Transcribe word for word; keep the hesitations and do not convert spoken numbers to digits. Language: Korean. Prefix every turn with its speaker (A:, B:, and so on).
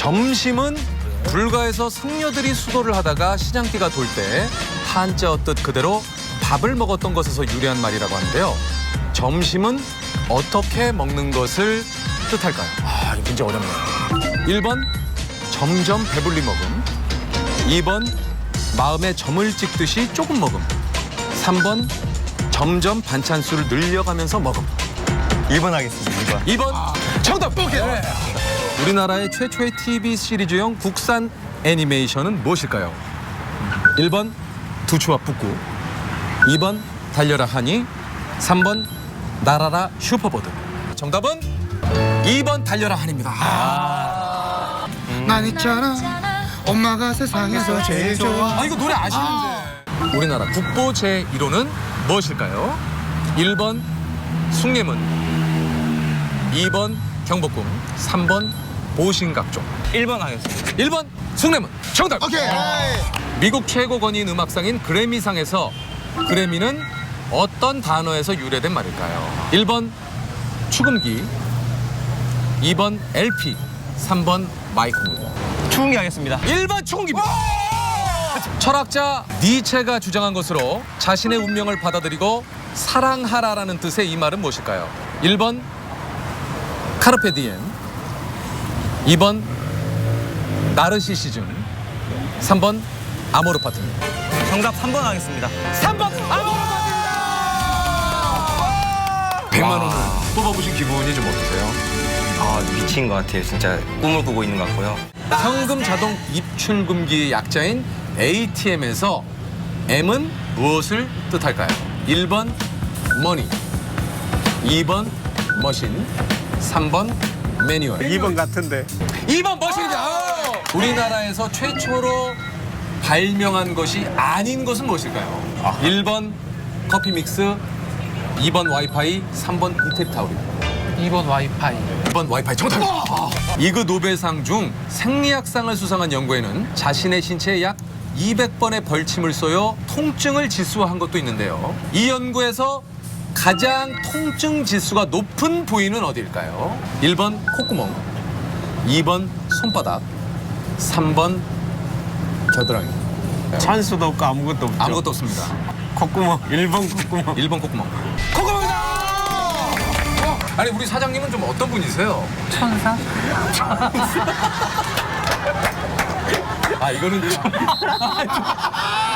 A: 점심은 불가에서 승려들이 수도를 하다가 시장기가 돌 때 한자어 뜻 그대로 밥을 먹었던 것에서 유래한 말이라고 하는데요. 점심은 어떻게 먹는 것을 뜻할까요?
B: 아, 이거 굉장히 어렵네요.
A: 일 번 점점 배불리 먹음, 이 번 마음에 점을 찍듯이 조금 먹음, 삼 번 점점 반찬 수를 늘려가면서 먹음.
C: 이 번 하겠습니다. 이 번.
A: 이 번 정답! 오케이. 우리나라의 최초의 티비 시리즈용 국산 애니메이션은 무엇일까요? 일 번 두추와 북구, 이 번 달려라 하니, 삼 번 날아라 슈퍼보드. 정답은 이 번 달려라 하니입니다. 아,
D: 난 있잖아 엄마가 세상에서 제일 좋아.
A: 아 이거 노래 아시는데. 우리나라 국보 제일 호는 무엇일까요? 일 번 숭례문, 이 번 경복궁, 삼 번 보신각종.
C: 일 번 하겠습니다.
A: 일 번 숭례문. 정답!
D: 오케이.
A: 미국 최고 권위인 음악상인 그래미상에서 그래미는 어떤 단어에서 유래된 말일까요? 일 번 축음기, 이 번 엘피, 삼 번 마이크입니다.
C: 추운기 하겠습니다.
A: 일 번 축음기입니다. 철학자 니체가 주장한 것으로 자신의 운명을 받아들이고 사랑하라라는 뜻의 이 말은 무엇일까요? 일 번 카르페 디엠, 이 번 나르시시즘, 삼 번 아모르 파트입니다.
C: 정답 삼 번 하겠습니다.
A: 삼 번 아모르 파트입니다. 백만 원을 뽑아보신 기분이 좀 어떠세요?
C: 아, 미친 것 같아요. 진짜 꿈을 꾸고 있는 것 같고요.
A: 현금 자동 입출금기의 약자인 에이티엠에서 M은 무엇을 뜻할까요? 일 번 머니, 이 번 머신, 삼 번 매뉴얼.
B: 이 번 같은데.
A: 이 번 머신이다. 우리나라에서 최초로 발명한 것이 아닌 것은 무엇일까요? 일 번 커피 믹스, 이 번 와이파이, 삼 번 이태리 타올입니다.
E: 이 번 와이파이.
A: 이 번 와이파이 정답입니다. 이그 노벨상 중 생리학상을 수상한 연구에는 자신의 신체에 약 이백 번의 벌침을 쏘여 통증을 지수화한 것도 있는데요. 이 연구에서 가장 통증 지수가 높은 부위는 어디일까요? 일 번 콧구멍, 이 번 손바닥, 삼 번 겨드랑이.
B: 찬수도 없고 아무것도 없죠.
A: 아무것도 없습니다.
B: 콧구멍. 일 번 콧구멍.
A: 일 번 콧구멍. 콧구멍이다! 어, 아니 우리 사장님은 좀 어떤 분이세요?
E: 천사?
A: 아 이거는 좀...